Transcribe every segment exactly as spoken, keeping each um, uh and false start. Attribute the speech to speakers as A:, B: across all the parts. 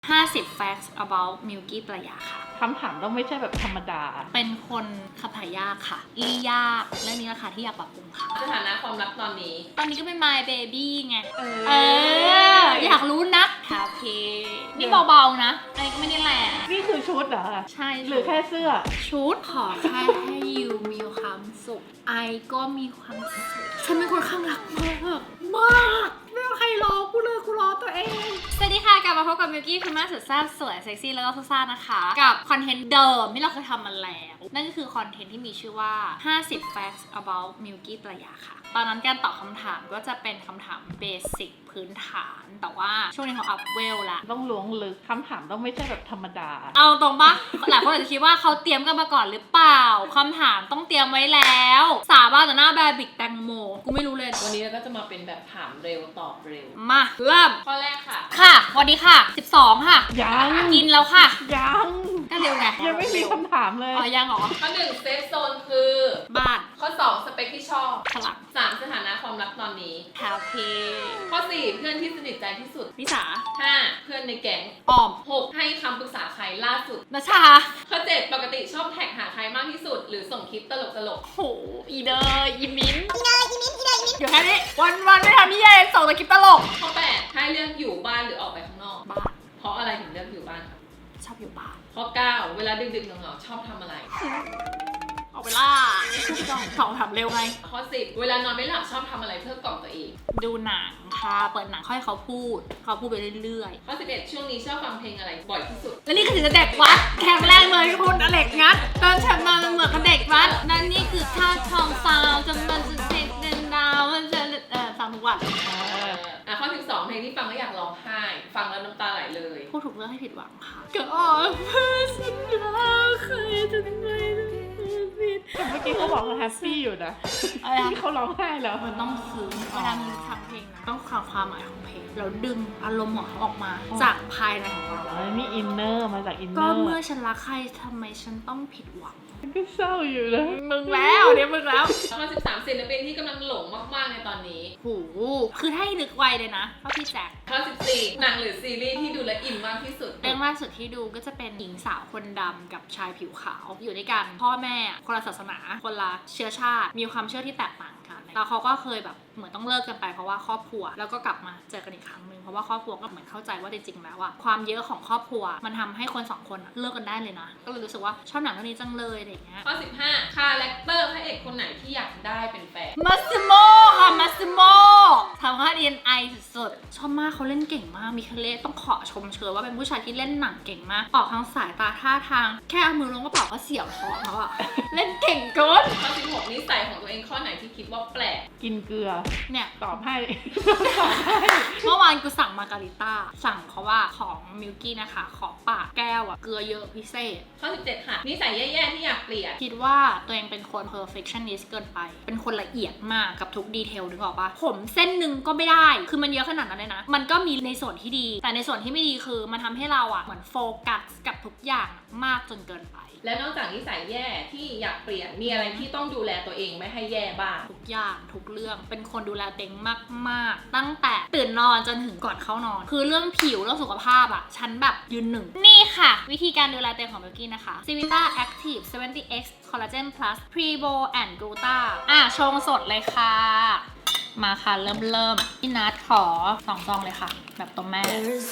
A: ห้าสิบ facts about Milky ประยาค่ะ
B: คำถามต้องไม่ใช่แบบธรรมดา
A: เป็นคนขับถ่ายยากค่ะลี่ยากเรื่องนี้แหละค่ะที่อยากปรับปรุงค่ะ
C: สถานะความรักตอนนี้
A: ตอนนี้ก็เป็น my baby ไง
B: เออ
A: เอออยากรู้นักคาเฟ่นี่เบาๆนะอันนี้ก็ไม่ได้แรง
B: นี่คือชุดเหรอ
A: ใช่
B: หรือแค่เสื้อ
A: ชุดขอแค่ให้ยูมีความสุขไอก็มีความสุขฉันเป็นคนข้างรักมากมากไม่มีใครรอกูเลยกูรอตัวเองสวัสดีค่ะกลับมาพบกับมิวกี้คุณแม่สุดแซ่บสวยเซ็กซี่แล้วก็ซ่าๆนะคะกับคอนเทนต์เดิมที่เราเคยทำมาแล้วนั่นก็คือคอนเทนต์ที่มีชื่อว่าห้าสิบ facts about Milky ประยาค่ะตอนนั้นการตอบคำถามก็จะเป็นคำถามเบสิกพื้นฐานแต่ว่าช่วงนี้เขาอัพเวลละ
B: ต้องล้วงลึกคำถามต้องไม่ใช่แบบธรรมดา
A: เอาตรงปะหลายคนอาจจะคิดว่าเขาเตรียมกันมาก่อนหรือเปล่าคำถามต้องเตรียมไว้แล้วสาบานต่อหน้าแบบบิกแตงโมกูไม่รู้เลย
C: วันนี้เราก็จะมาเป็นแบบถามเร็วตอบเร็ว
A: มาเริ่ม
C: ข้อแรกค่ะ
A: ค่ะวันนี้ค่ะสิบสองค่ะ
B: ยัง
A: กินแล้วค่ะ
B: ยัง
A: ก็เร็วไง
B: ยังไม่มีคำถามเลย
A: อ๋อยังเหรอ
C: ข้อหนึ่งเซฟโซนคือ
A: บ้าน
C: ข้อสองสเปคที่ชอบ
A: พลัง
C: สามสถานะความรักตอนนี้
A: แฮปปี้
C: ข้อสี่เพื่อนที่สนิทใจที่สุด
A: นิสา
C: ห้าเพื่อนในแก๊ง
A: ออม
C: หกให้คำปรึกษาใครล่าสุด
A: นัชชา
C: ข้อเจ็ดปกติชอบแท็กหาใครมากที่สุดหรือส่งคลิปตลกตลก
A: โหอีเดอร์อีมิ้นอีเดอร์อีมิ้นอีเดอร์อีมิ้นอยู่แค่นี้วันวันไม่ทำนี่เองส่งแต่คลิปตลก
C: ข้อแปดให้เลือกอยู่บ้านหรือออกไปข้างนอก
A: บ้าน
C: เพราะอะไรถึงเลือกอยู่บ้านครับ
A: ชอบอยู่บ้าน
C: ข้อเก้าเวลาดึกๆเหงาๆชอบทำอะไร
A: ออกไปล่าสองถามเร็วไง
C: ข้อสิบเวลานอนไม่หลับชอบทำอะไรเพื่อกล่อมตัวเอง
A: ดูหนังค่ะเปิดหนังค่อยเขาพูดเขาพูดไปเรื่อย
C: ๆข้อสิบเอ็ดช่วงนี้ชอบฟังเพลงอะไรบ่อยที่สุด
A: และนี่คือจะเด็กวัดแข็งแรงเลยคุณอเล็กงัดตอนฉันมามันเหมือนกับเด็กวัดนั่นนี่คือท่าทองฟาวจำมันจะเด็กเดินดาวมันจะเอ่อฟังทุกวัน
C: อ่ะข้อสิบสองเพลงที่ฟังแล้วอยากร้องไห้ฟังแล้วน้ำตาไหลเลย
A: พูดถูกเรื่องให้ผิดหวังค่ะก็อ๋อเพื่อสัญญาใครจะทำไม
B: แต่เมื่อกี้เขาบอกเขาแฮปปี้อยู่นะ
A: อะไรนะ
B: เขาร้องไห้แล้ว
A: มันต้องซึ้งเวลามีฟังเพลงนะต้องฟังความหมายของเพลงแล้วดึงอารมณ์ของเขาออกมาจากภายในของเรา
B: นี่อินเนอร์มาจากอินเนอร์
A: ก็เมื่อฉันรักใครทำไมฉันต้องผิดหวัง
B: ก็เศร้าอยู่นะ
A: มึงแล้วเนี่ยมึงแล้ว
C: ข้อสิบสามศิลปินที่กำลังหลงมากๆในตอนนี้
A: โหคือถ้าให้นึกไวเลยนะก็พี่แจ็ค
C: ข้อสิบสี่หนังหรือซีรีส์ที่ดูและอินมากที่สุด
A: เรื่องล่าสุดที่ดูก็จะเป็นหญิงสาวคนดำกับชายผิวขาวอยู่ด้วยกันพ่อแม่คนละศาสนาคนละเชื้อชาติมีความเชื่อที่แตกต่างกันแล้วเขาก็เคยแบบเหมือนต้องเลิกกันไปเพราะว่าครอบครัวแล้วก็กลับมาเจอกันอีกครั้งนึงเพราะว่าครอบครัวก็เหมือนเข้าใจว่าจริงๆแล้วอะความเยอะของครอบครัวมันทำให้คนสองคนเลิกกันได้เลยนะก็เลยรู้สึกว่าชอบหนังเรื่องนี้จังเลยอะไรอย่างเงี้ย
C: ข้อสิบห้าคาแรคเตอร์พระเอกคนไหนที่อยากได้เป็นแฟน
A: มัสซิโมค่ะมัสซิโมทำค่า ดี เอ็น ไอ สุดๆชอบมากเขาเล่นเก่งมากมีเคเลต้องขอชมเชยว่าเป็นผู้ชายที่เล่นหนังเก่งมากออกทางสายตาท่าทางแค่เอามือลงกระเป๋าก็เสียวท้องแล้วอะเล่นเก่งเกิน
C: ข้อสิบหกนิสัยของตัวเองข้อไหนที่คิดว่าแปลก
B: กินเกลือ
A: เนี่ย
B: ตอบให้
A: เมื่อวานกูสั่งมาการิต้าสั่งเพราะว่าของมิลกี้นะคะขอปากแก้วอะเกลือเยอะพิเศษ
C: ข้อสิบเจ็ดค่ะนิสัยแย่ๆที่อยากเปลี่ยน
A: คิดว่าตัวเองเป็นคน perfectionist เกินไปเป็นคนละเอียดมากกับทุกดีเทลนึกออกปะผมเส้นหนึ่งก็ไม่ได้คือมันเยอะขนาดนั้นเลยนะมันก็มีในส่วนที่ดีแต่ในส่วนที่ไม่ดีคือมันทำให้เราอะเหมือนโฟกัสกับทุกอย่างมากจนเกินไป
C: และนอกจากนิสัยแย่ที่อยากเปลี่ยนมีอะไรที่ต้องดูแลตัวเองไม่ให้แย่บ้าง
A: ทุกอย่างทุกเรื่องเป็นคนดูแลตัวเองมากๆตั้งแต่ตื่นนอนจนถึงก่อนเข้านอนคือเรื่องผิวเรื่องสุขภาพอะฉันแบบยืนหนึ่งนี่ค่ะวิธีการดูแลตัวเองของมิลกี้นะคะ Civita Active เซเวนตี้ เอ็กซ์ Collagen Plus Prebo and Gluta อ่ะชงสดเลยค่ะมาค่ะเริ่มเริ่มพี่นัทขอสองซองเลยค่ะแบบตัวแม่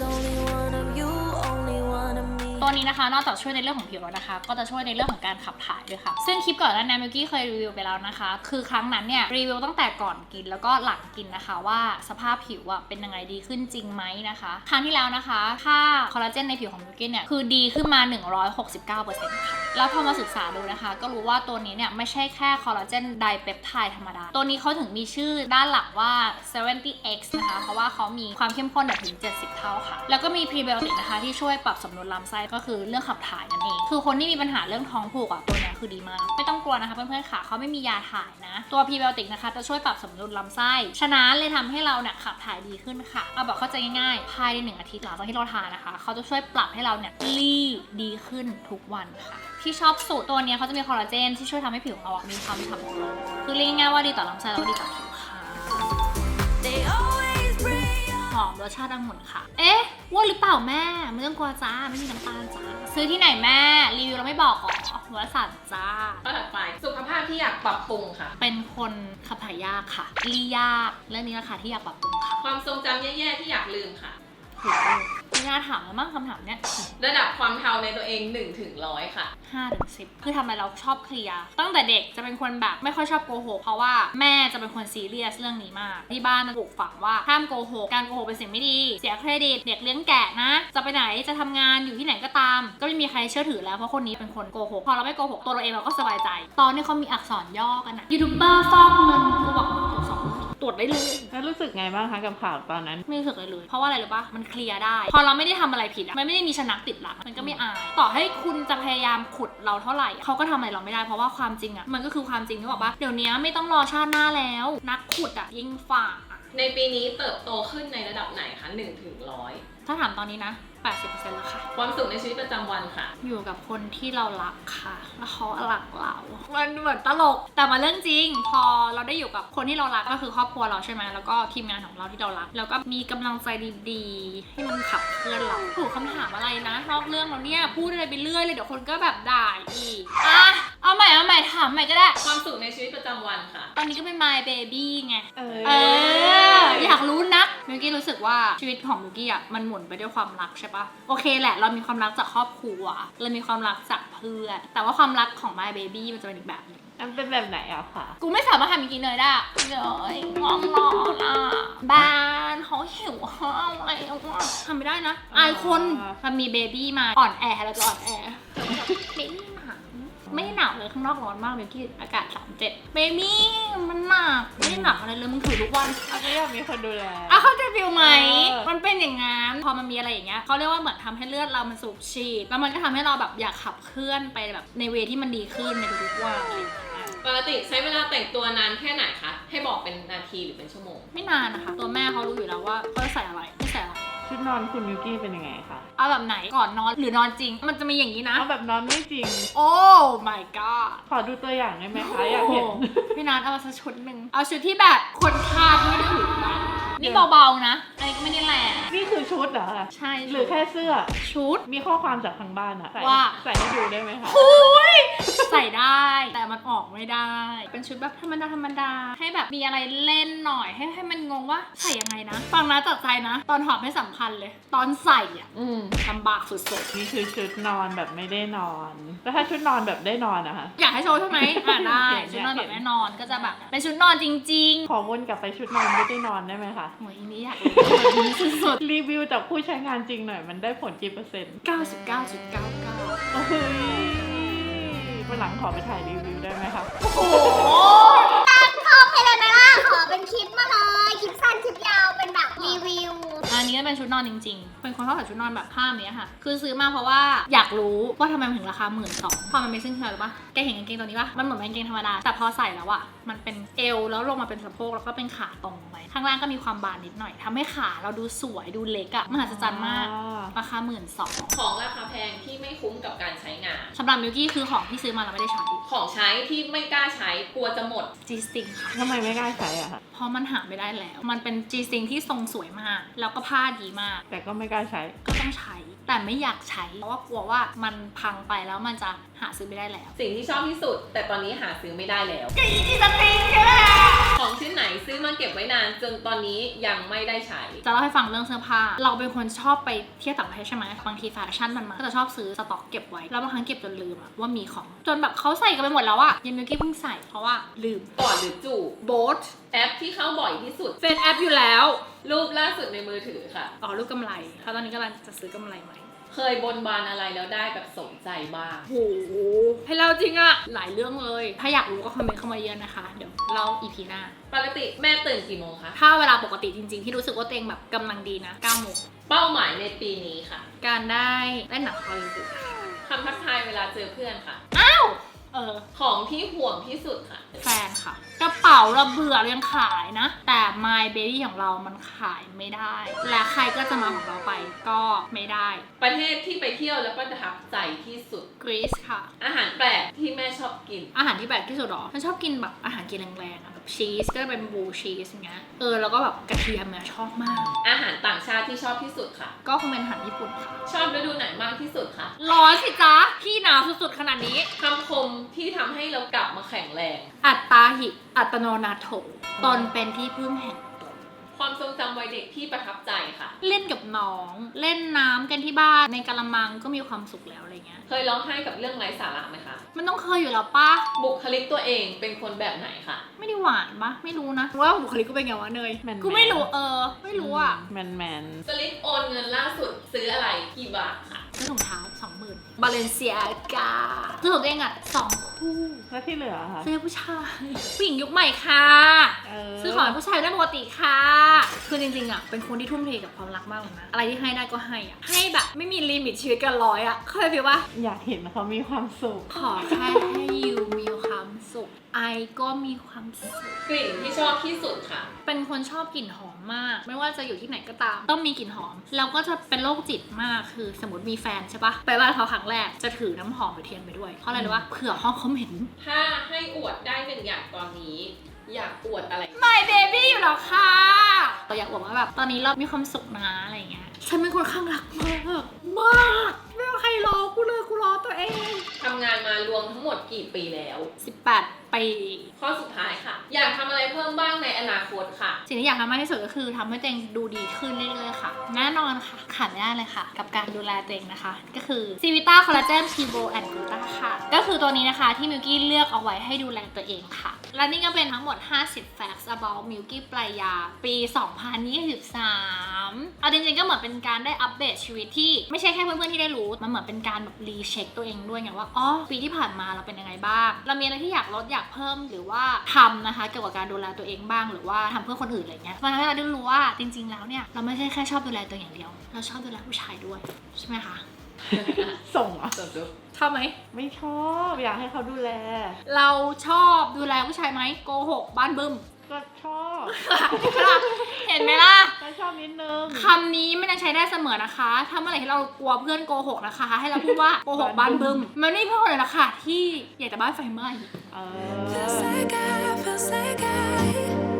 A: ตัวนี้นะคะนอกจากช่วยในเรื่องของผิวแล้วนะคะก็จะช่วยในเรื่องของการขับถ่ายด้วยค่ะซึ่งคลิปก่อนหน้านี้มิลกี้เคยรีวิวไปแล้วนะคะคือครั้งนั้นเนี่ยรีวิวตั้งแต่ก่อนกินแล้วก็หลังกินนะคะว่าสภาพผิวอะเป็นยังไงดีขึ้นจริงไหมนะคะครั้งที่แล้วนะคะค่าคอลลาเจนในผิวของมิลกี้เนี่ยคือดีขึ้นมา หนึ่งร้อยหกสิบเก้าเปอร์เซ็นต์ ค่ะแล้วพอมาศึกษาดูนะคะก็รู้ว่าตัวนี้เนี่ยไม่ใช่แค่คอลลาเจนไดเปปไทด์ธรรมดาตัวนี้เขาถึงมีชื่อด้านหลักว่า เซเวนตี้ เอ็กซ์ นะคะเพราะว่าเขามีความเข้มข้นถึงเจ็ดสิบเท่าค่ะแล้วก็มีพรีไบโอติกนะคะที่ช่วยปรับสมดุลลำไส้ก็คือเรื่องขับถ่ายนั่นเองคือคนที่มีปัญหาเรื่องท้องผูกอ่ะตัวนี้คือดีมากไม่ต้องกลัวนะคะเพื่อนๆค่ะเขาไม่มียาถ่ายนะตัวพรีไบโอติกนะคะจะช่วยปรับสมดุลลำไส้ฉะนั้นเลยทำให้เราเนี่ยขับถ่ายดีขึ้นค่ะเอาแบบเข้าใจง่ายๆภายในหนึ่งอาทิตย์หลังจากที่เราทานนะคะเขาจะช่วยปรับให้เราเนี่ยรีดีขึ้นทุกวันค่ะที่ชอบสูตรตัวนี้เขาจะมีคอลลาเจนที่ช่วยทำให้ผิวของเรามีความฉ่ำโกลว์คือเรียกง่ายๆว่าดีต่อลำไส้แล้วก็ดีต่อผิวค่ะหอมรสชาติองุ่นค่ะเอ๊ะว่าหรือเปล่าแม่ไม่ต้องกลัวจ้าไม่มีน้ำตาลจ้าซื้อที่ไหนแม่รีวิวเราไม่บอกหรอว่าสัตว์จ้า
C: ข้อถัดไปสุขภาพที่อยากปรับปรุงค่ะ
A: เป็นคนขับถ่ายยากค่ะรียากเรื่องนี้แหละค่ะที่อยากปรับปรุงค่ะ
C: ความทรงจำแย่ๆที่อยากลืมค่ะ
A: ไม่น่าถามแล้วมั้งคำถามเนี้ย
C: ระดับความเทาในตัวเองหนึ่งถึงร้อยค่ะ
A: ห้าถึงสิบคือทำอะไรเราชอบเคลียร์ตั้งแต่เด็กจะเป็นคนแบบไม่ค่อยชอบโกหกเพราะว่าแม่จะเป็นคนซีเรียสเรื่องนี้มากที่บ้านมันปลูกฝังว่าห้ามโกหกการโกหกเป็นสิ่งไม่ดีเสียเครดิตเด็กเลี้ยงแกะนะจะไปไหนจะทำงานอยู่ที่ไหนก็ตาม ก็ไม่มีใครเชื่อถือแล้วเพราะคนนี้เป็นคนโกหกพอเราไม่โกหกตัวเราเองเราก็สบายใจ ตอนนี้เขามีอักษรย่อกันนะยูทูบเบอร์ฟอกเงินกูบอกตรวจสอบตรวจได้เลย
B: แล้วรู้สึกไงบ้างคะกับข่าวตอนนั้น
A: ไม่รู้สึกเลยเลย เพราะว่าอะไรรู้ปะมันเคลียร์ได้ พอเราไม่ได้ทำอะไรผิดอะมันไม่ได้มีชนักติดหลังมันก็ไม่อาย ต่อให้คุณจะพยายามขุดเราเท่าไหร่เขาก็ทำอะไรเราไม่ได้ เพราะว่าความจริงอะมันก็คือความจริงที่บอกว่าเดี๋ยวนี้ไม่ต้องรอชาติหน้าแล้ว นักขุดอะยิ่งฝ่า
C: ในปีนี้เติบโตขึ้นในระดับไหนคะหนึ่งถึงร้อย
A: ถ้าถามตอนนี้นะ แปดสิบเปอร์เซ็นต์ แล้วค่ะ
C: ความสุขในชีวิตประจำวันค่ะ
A: อยู่กับคนที่เรารักค่ะ แล้วเขารักเรา มันเหมือนตลก แต่มาเรื่องจริง พอเราได้อยู่กับคนที่เรารักก็คือครอบครัวเราใช่ไหมแล้วก็ทีมงานของเราที่เรารัก แล้วก็มีกำลังใจดีๆ ให้มันขับเคลื่อนเราถูกคำถามอะไรนะ นอกเรื่องเราเนี่ย พูดอะไรไปเรื่อยเลย เดี๋ยวคนก็แบบด่าอีก อ่ะ เอาใหม่ เอาใหม่ ถามใหม่ก็ได้
C: ความสุขในชีวิตประจำวันค่ะ
A: ตอนนี้ก็เป็น my baby ไง
B: เออ
A: เออ อยากรู้นักมิวกี้รู้สึกว่าชีวิตของมิวกี้อ่ะมันหมุนไปด้วยความรักใช่ปะโอเคแหละเรามีความรักจากครอบครัวเรามีความรักจากเพื่อนแต่ว่าความรักของ my baby มันจะเป็นอีกแบบหนึง
B: มันเป็นแบบไหนอะคะ
A: กูไม่สามารถทำมิวกี้เนยได้เลยง่วงนอนอ่ะบ้านเขาหิวข้าวอะไรวะทำไม่ได้นะอายคนมันมีเบบี้มาอ่อนแอเราจะอ่อนแอไม่หนาวไม่หนาวเลยข้างนอกร้อนมากมิวกี้อากาศสามสิบเจ็ดเบบี้มันหนักไม่ได้หนักอะไรเลยมึงถือทุกวัน
B: อันนี้อยากมีคนดูแล
A: อ่ะเข้าใจฟิลไหม
B: เออ
A: มันเป็นอย่างงั้น พอมันมีอะไรอย่างเงี้ยเขาเรียกว่าเหมือนทำให้เลือดเรามันสูบฉีด แล้วมันก็ทำให้เราแบบอยากขับเคลื่อนไปแบบในเวที่มันดีขึ้นในทุกๆวันอะไรอย่างเงี้ย
C: ปกติใช้เวลาแต่งตัวนานแค่ไหนคะ ให้บอกเป็นนาทีหรือเป็นชั่วโมง
A: ไม่นานนะคะ ตัวแม่เขารู้อยู่แล้วว่าเขาจะใส่อะไร ไม่ใส่อะไร
B: ชุดนอนคุณมิวกี้เป็นยังไงคะ
A: เอาแบบไหนก่อนนอนหรือนอนจริง มันจะมีอย่างนี้นะ
B: เอาแบบนอนไม่จริง
A: โอ้ my god
B: ขอดูตัวอย่างได้ไหมคะ อยากเห็น
A: โอ้โหพี่นัทเอามาสักชุดหนึ่ง เอาชุดที่แบบคนคาดไม่ถึงนะนี่เบาๆนะ อันนี้ก็ไม่ได้แรง
B: นี่คือชุดเหรอคะ
A: ใช่
B: หรือแค่เสื้อ
A: ชุด
B: มีข้อความจากทางบ้านอะใส่
A: ว่า
B: ใส่ให้ดูได้ไหมคะ
A: ใส่ได้แต่มันออกไม่ได้ เป็นชุดแบบธรรมดาธรรมดาให้แบบมีอะไรเล่นหน่อยให้ให้มันงงว่าใส่ยังไงนะ ฟังนะจัดใจนะ ตอนถอดไม่สำคัญเลย ตอนใส่อะ
B: อืม
A: ลำบากสุด
B: นี่คือชุดนอนแบบไม่ได้นอน แล้วถ้าชุดนอนแบบได้นอนนะคะ
A: ๆอยากให้โชว์ใช่ไหมอ่ะได้
B: อยากเห็น
A: ชุดนอนแบบแน่นอนก็จะแบบเป็นชุดนอนจริง
B: ขอวนกลับไปชุดนอนไม่ได้นอนได้ไหมคะ
A: ๆโอ้ยอันนี้อยากรู้สุด
B: รีวิวจากผู้ใช้งานจริงหน่อยมันได้ผลกี่เปอร์เซ็นต์
A: ๆ เก้าสิบเก้าจุดเก้าเก้า
B: เฮ้ยวันหลังขอไปถ่ายรีวิวได้ไหมคะ
A: โอ้โห
D: ชอบให้เลยนะล่ะขอเป็นคลิปมาเลย คลิปสั้นคลิปยาวเป็นแบบรีวิว
A: อันนี้ก็เป็นชุดนอนจริงๆ เป็นคนชอบใส่ชุดนอนแบบผ้าแบบนี้ค่ะ คือซื้อมาเพราะว่าอยากรู้ว่าทำไมมันถึงราคาหมื่นสองพอมันเป็นเส้นคืออะไรรู้ปะแกเห็นกางเกงตัวนี้ปะมันเหมือนกางเกงธรรมดา แต่พอใส่แล้วอะมันเป็นเอวแล้วลงมาเป็นสะโพกแล้วก็เป็นขาตรงลงไปข้างล่างก็มีความบานนิดหน่อยทำให้ขาเราดูสวยดูเล็กอะมหัศจรรย์มาก ราคาหมื่นสอง
C: ของราคาแพงที่ไม่คุ้มกับการใช้งาน
A: สำหรับมิวกี้คือของที่ซื้อมาเราไม่ได้ใช้
C: ของใช้ที่ไม่กล้าใช้กลัวจะหมด
A: จีสติงค่ะ
B: ทำไมไม่กล้าใช้อะคะ
A: เพราะมันหาไม่ได้แล้ว มันเป็นจีสติงที่ทรงสวยมาก แล้วก็ผ้าดีมาก
B: แต่ก็ไม่กล้าใช้
A: ก็ต้องใช้ แต่ไม่อยากใช้ เพราะว่ากลัวว่ามันพังไปแล้วมันจะหาซื้อไม่ได้แล้ว
C: สิ่งที่ชอบที่สุด แต่ตอนนี้หาซื้อไม่ได้แล้ว
A: จีสติงใช่ไหม
C: ของชิ้นไหนซื้อมาเก็บไว้นานจนตอนนี้ยังไม่ได้ใช้
A: จะเล่าให้ฟังเรื่องเสื้อผ้า เราเป็นคนชอบไปเที่ยวต่างประเทศใช่ไหมบางทีแฟชั่นมันมาก็จะชอบซื้อสต็อกเก็บไว้ แล้วบางครั้งเก็บจนลืมอะว่ามีของ จนแบบเขาใส่กันไปหมดแล้วอะยังมิวกี้เพิ่งใส่เพราะว่าลืม
C: ก่อนหรือจูบ
A: โบ๊ท
C: แอปที่เข้าบ่อยที่สุด
A: เฟซแอปอยู่แล้ว
C: รูปล่าสุดในมือถือค่ะ
A: อ๋อรูปกำไรเพราะตอนนี้กำลังจะซื้อกำไรใหม่
C: เคยบนบานอะไรแล้วได้แบบสมใจบ้าง
A: โหให้เราจริงอะหลายเรื่องเลย ถ้าอยากรู้ก็คอมเมนต์เข้ามาเยอะนะคะ เดี๋ยวเล่าอีพีหน้า
C: ปกติแม่ตื่นกี่โมงคะ
A: ถ้าเวลาปกติจริงๆ ที่รู้สึกว่าตัวเองแบบกำลังดีนะเก้าโมง
C: เป้าหมายในปีนี้ค่ะ
A: การได้เล่นหนังฮอลลีวูด
C: คำทักทายเวลาเจอเพื่อนค่ะ
A: เออ
C: ของที่ห่วงที่สุดค่ะ
A: แฟนค่ะ กระเป๋าเราเบื่อเรายังขายนะ แต่ My Baby ของเรามันขายไม่ได้ และใครก็จะมาของเราไปก็ไม่ได้
C: ประเทศที่ไปเที่ยวแล้วก็ประทับใจที่สุด
A: กรีซค่ะ
C: อาหารแปลกที่แม่ชอบกิน
A: อาหารที่แปลกที่สุดหรอฉันชอบกินแบบอาหารกินแรงๆอะแบบชีสก็จะเป็นบลูชีสอย่างเงี้ยเออแล้วก็แบบกระเทียมเนี่ยชอบมาก
C: อาหารต่างชาติที่ชอบที่สุดค่ะ
A: ก็คงเป็นอาหารญี่ปุ่นค่ะ
C: ชอบฤดูไหนมากที่สุดคะ
A: ร้อนสิจ๊ะพี่หนาวสุดๆขนาดนี้
C: คำคมที่ทำให้เรากลับมาแข็งแรง
A: อัตตาหิอัตโนนาโถตนเป็นที่พึ่งแห่งตน
C: ความทรงจำวัยเด็กที่ประทับใจค่ะ
A: เล่นกับน้องเล่นน้ำกันที่บ้านในกะละมังก็มีความสุขแล้วอะไรเงี้ย
C: เคยร้องไห้กับเรื่องไร้สาระไหมคะ
A: มันต้องเคยอยู่แล้วปะ
C: บุคลิกตัวเองเป็นคนแบบไหนคะ
A: ไม่ได้หวานปะไม่รู้นะว่าบุคลิกกูเป็นไงวะเนย
B: แมนๆ
A: กูไม่รู้เออ ไม่รู้อ่ะ
B: แมนแมน
C: สลิปโอนเงินล่าสุดซื้ออะไรกี่บาทค่ะ
A: ซื้อถุงเท้าสองหมื่นบาเลนเซียกาซื้อของตัวเองอ่ะสองคู่
B: แล้วที่เหลือค่ะ
A: ซื้อให้ผู้ชายผู้หญิงยุคใหม่ค่ะ
B: เออ
A: ซื้อของให้ผู้ชายได้ปกติค่ะ คือจริงๆอ่ะเป็นคนที่ทุ่มเทกับความรักมากเลยนะอะไรที่ให้ได้ก็ให้อ่ะให้แบบไม่มีลิมิตชีวิตเกันร้อยอ่ะเข้าใจฟีลปะ
B: อยากเห็นเขามีความสุข
A: ขอแค่ให้ยูมีความสุขไอก็มีความสุข
C: กลิ่นที่ชอบที่สุดค่ะ
A: เป็นคนชอบกลิ่นหอมมาก ไม่ว่าจะอยู่ที่ไหนก็ตาม ต้องมีกลิ่นหอมแล้วก็จะเป็นโรคจิตมากคือสมมติมีแฟนใช่ปะไปบ้านเขาครั้งแรกจะถือน้ำหอมไปเทียนไปด้วยเพราะอะไรรู้ปะเผื่อห้องเขาเหม็น
C: ถ้าให้อวดได้หนึ่งอย่างตอนนี้ อยากอวดอะไร
A: My baby อยู่แล้วค่ะเราอยากบอกว่าแบบตอนนี้เรามีความสุขนะอะไรเงี้ยฉันเป็นคนข้างรักมากมากไม่ว่าใครรอกูเลยกูรอตัวเอง
C: ทำงานมารวมทั้งหมดกี่ปีแล้ว
A: สิบแปดปี
C: ข้อสุดท้ายค่ะ อยากทำอะไรเพิ่มบ้างในอนาคตค่ะ
A: สิ่งที่อยากทำมากที่สุดก็คือทำให้ตัวเองดูดีขึ้นเรื่อยๆค่ะแน่นอนค่ะขาดไม่ได้เลยค่ะ กับการดูแลตัวเองนะคะ ก็คือซีวิต้าคอลลาเจนพีโบแอนด์กลูตาค่ะ ก็คือตัวนี้นะคะที่มิวกี้เลือกเอาไว้ให้ดูแลตัวเองค่ะ และนี่ก็เป็นทั้งหมด ห้าสิบ facts about มิวกี้ปลายาปี สองพันยี่สิบสาม เอาจริงๆก็เหมือนเป็นการได้อัปเดตชีวิตที่ไม่ใช่แค่เพื่อนๆที่ได้รู้ มันเหมือนเป็นการแบบรีเช็คตัวเองด้วยไงว่าอ๋อปีที่ผ่านมาเราเป็นยังไงบ้างเรามีอะไรที่อยากลดอยากเพิ่มหรือว่าทำนะคะเกี่ยวกับการดูแลตัวเองบ้างหรือว่าทำเพื่อคนอื่นอะไรเงี้ยมันทำให้เราได้รู้ว่าจริงๆแล้วเนี่ยเราไม่ใช่แค่ชอบดูแลตัวเองอย่างเดียวเราชอบดูแลผู้ชายด้วยใช่ไหมคะ
B: ส่งเหรอ
A: ชอบไหม
B: ไม่ชอบอยากให้เขาดูแล
A: เราชอบดูแลผู้ชายไหมโกหกบ้านบึ้ม
B: ก็ชอบ
A: เห็นไหมล่ะ
B: ก็ชอบนิดนึง
A: คำนี้ไม่ได้ใช้ได้เสมอนะคะ ถ้าเมื่อไหร่ที่เรากลัวเพื่อนโกหกนะคะ ให้เราพูดว่าโกหกบ้านบึ้ม มันไม่มีเพื่อนคนไหนหรอกค่ะที่อยากจะบ้านไฟไหม้
B: เออ
E: Feels like I, feels like I